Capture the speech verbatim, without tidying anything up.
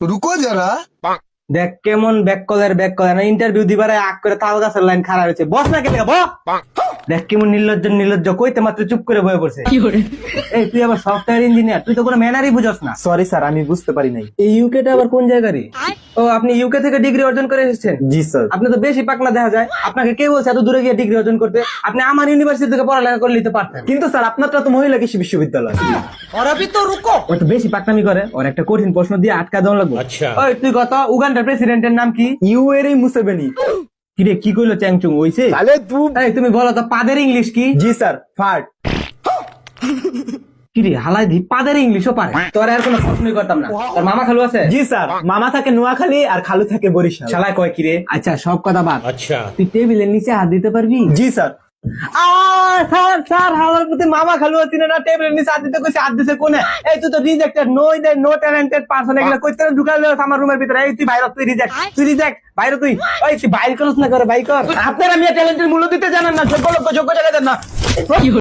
रुको जरा। দেখ কেমন ব্যাক কলের ব্যাক কলের না ইন্টারভিউ দিবার আগ করে তাল গাছের লাইন খারাপ হয়েছে বস না কেন বস দেখ কেমন নির্লজ্জ নির্লজ্জ কইতে মাত্র চুপ করে বয়ে পড়ছে এই তুই আবার সফটওয়্যার ইঞ্জিনিয়ার তুই তো কোনো ম্যানারই বুঝস না। সরি স্যার, আমি বুঝতে পারি নাই। এই ইউকে টা আবার কোন জায়গারই? ও আপনি ইউকে থেকে ডিগ্রি অর্জন করে এসেছেন? জি স্যার। আপনি তো বেশি পাকনা দেখা যায়, আপনাকে কে বলছে এত দূরে গিয়ে ডিগ্রি অর্জন করতে? আপনি আমার ইউনিভার্সিটি থেকে পড়ালেখা করে নিতে পারতেন। কিন্তু স্যার আপনারটা তো মহিলা কৃষি বিশ্ববিদ্যালয়। और अभी तो रुको ও তো বেশি পাকনামি করে, ওর একটা কঠিন প্রশ্ন দিয়ে আটকা দেওয়া লাগবে। আচ্ছা ওই তুই কত উগান্ডার প্রেসিডেন্টের নাম কি? Yoweri Museveni. কি রে কি কইলো চ্যাংচুং হইছে? साले तू এই তুমি বলো তো পাদের ইংলিশ কি? জি স্যার, ফার্ট। কি রে হালাই দি পাদের ইংলিশও পারে, তোর আর কোনো প্রশ্নই করতাম না। তোর মামা খালু আছে? জি স্যার, মামা থাকে নোয়াখালী আর খালু থাকে বরিশাল। শালায় কয় কি রে? আচ্ছা সব কথা বাদ, अच्छा তুই টেবিলের নিচে হাত দিতে পারবি? জি স্যার। আ স্যার স্যার হালার প্রতি মামা খালু আছে না, টেবিলের নিচে হাত দিতে কইছে, হাত দিছে কোনে? এই তুই তো rejected, no they no talented person, এগুলা কইতে ঢুকাইলো আমার রুমের ভিতরে। এই তুই বাইরে, তুই রিজেক্ট, তুই রিজেক্ট, বাইরে তুই। ওই তুই বাইরে করছ না করে, বাই কর। আপনারা আমি ট্যালেন্টের মূল্য দিতে জানেন না, যোগ্য লোক যোগ্য জায়গায় দেন না।